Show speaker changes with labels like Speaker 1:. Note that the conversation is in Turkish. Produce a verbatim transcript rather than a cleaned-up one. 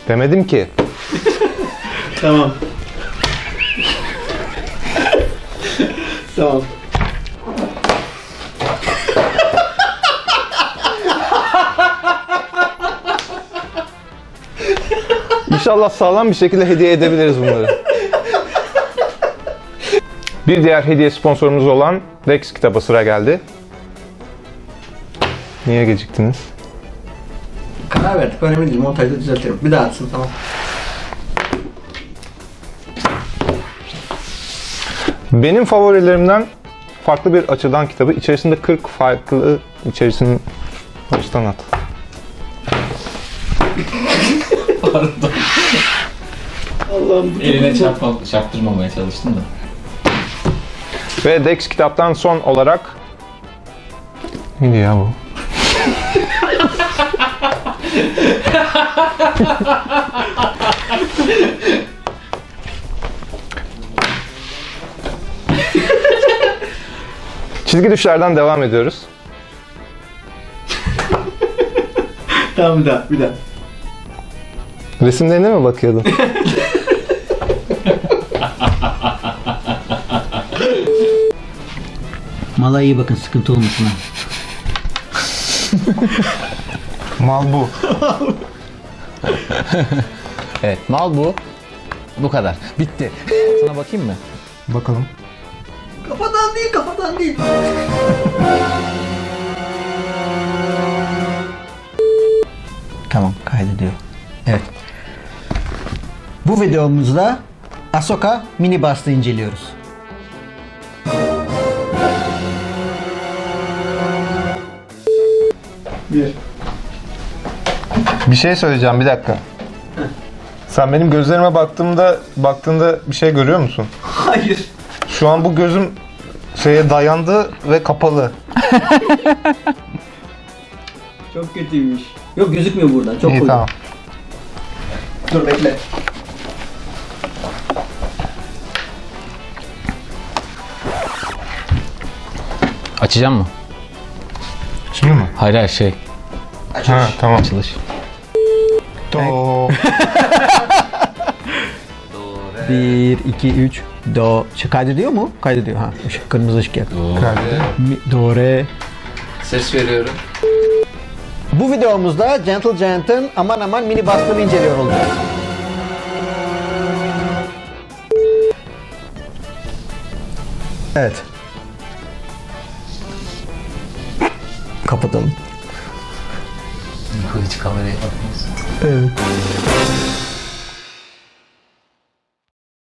Speaker 1: Demedim ki.
Speaker 2: Tamam. Tamam.
Speaker 1: İnşallah sağlam bir şekilde hediye edebiliriz bunları. Bir diğer hediye sponsorumuz olan Dex kitaba sıra geldi. Niye geciktiniz?
Speaker 2: Karar verdik. Önemli değil. Montajda düzeltirim. Bir daha atsın, tamam.
Speaker 1: Benim favorilerimden farklı bir açıdan kitabı. İçerisinde kırk farklı içerisinin baştan at.
Speaker 3: Pardon.
Speaker 2: Allah'ım.
Speaker 3: Eline çarpma, çarptırmamaya çalıştım da.
Speaker 1: Ve Dex kitaptan son olarak... Neydi ya bu? Çizgi düşlerden devam ediyoruz.
Speaker 2: Tamam, bir daha. Bir daha.
Speaker 1: Resimlerine mi bakıyordun?
Speaker 4: Mala iyi bakın, sıkıntı olmasın ha.
Speaker 1: Mal bu.
Speaker 5: Evet, mal bu. Bu kadar. Bitti. Sana bakayım mı?
Speaker 1: Bakalım.
Speaker 2: Kafadan değil, kafadan değil.
Speaker 4: Tamam, kaydediyor. Evet. Bu videomuzda Ahsoka mini bust'ı inceliyoruz.
Speaker 2: Bir.
Speaker 1: Bir şey söyleyeceğim, bir dakika. Sen benim gözlerime baktığımda baktığında bir şey görüyor musun?
Speaker 2: Hayır.
Speaker 1: Şu an bu gözüm şeye dayandı ve kapalı.
Speaker 2: Çok kötüymüş. Yok, gözükmüyor buradan. Çok
Speaker 1: İyi,
Speaker 2: koyu.
Speaker 1: tamam.
Speaker 2: Dur, bekle.
Speaker 5: Açacağım mı?
Speaker 1: Şimdi mi?
Speaker 5: Hayır hayır şey.
Speaker 1: Ha, tamam.
Speaker 5: Açılış.
Speaker 1: Do.
Speaker 4: bir, iki, üç, do. Şey, kaydediyor mu? Kaydediyor ha. Işık, kırmızı ışık yak. Mi, do, re.
Speaker 3: Ses veriyorum.
Speaker 4: Bu videomuzda Gentle Giant'ın aman aman mini bust'ını inceliyor olacağız. Evet. Kapatalım.
Speaker 3: Hiç kameraya bakmıyorsun.
Speaker 4: Evet.